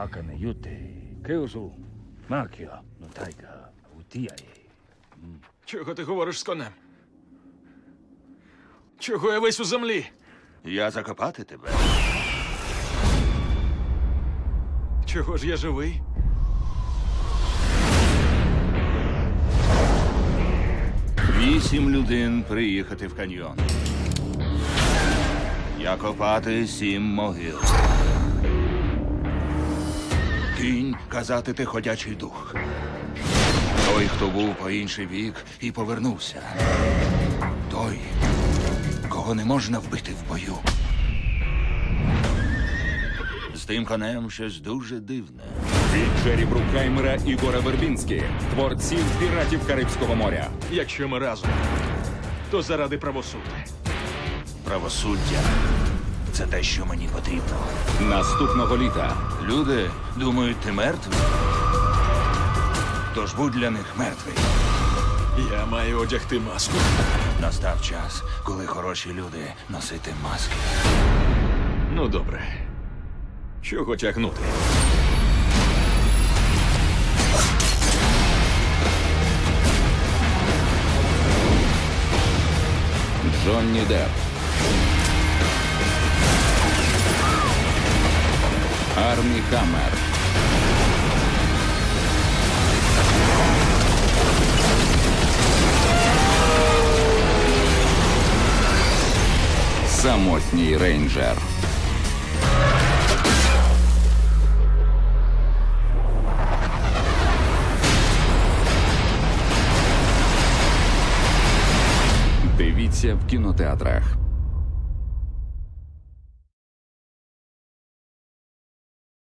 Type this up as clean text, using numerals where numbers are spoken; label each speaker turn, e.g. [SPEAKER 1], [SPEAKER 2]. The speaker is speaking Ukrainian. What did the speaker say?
[SPEAKER 1] 赤ね言ってケオソマーキアの大河ウティアへ
[SPEAKER 2] Чого ти говориш з конем? Чого я весь у землі?
[SPEAKER 3] Я закопати тебе.
[SPEAKER 2] Чого ж я живий?
[SPEAKER 3] Вісім людей приїхати в каньйон. Я копати 7 могил. Кінь казати ти ходячий дух. Той, хто був по інший вік і повернувся. Той, кого не можна вбити в бою. З тим конем щось дуже дивне.
[SPEAKER 4] Від Джері Брукхаймера і Гора Вербінські, творців «Піратів Карибського моря».
[SPEAKER 2] Якщо ми разом, то заради правосуддя.
[SPEAKER 3] Правосуддя – це те, що мені потрібно.
[SPEAKER 4] Наступного літа
[SPEAKER 3] Люди думають, ти мертвий. Тож будь для них мертвий.
[SPEAKER 2] Я маю одягти маску.
[SPEAKER 3] Настав час, коли хороші люди носити маски.
[SPEAKER 2] Ну, добре. Чого тягнути?
[SPEAKER 4] Джонні Депп, Армі Хаммер, Самотній рейнджер. Дивіться в кінотеатрах.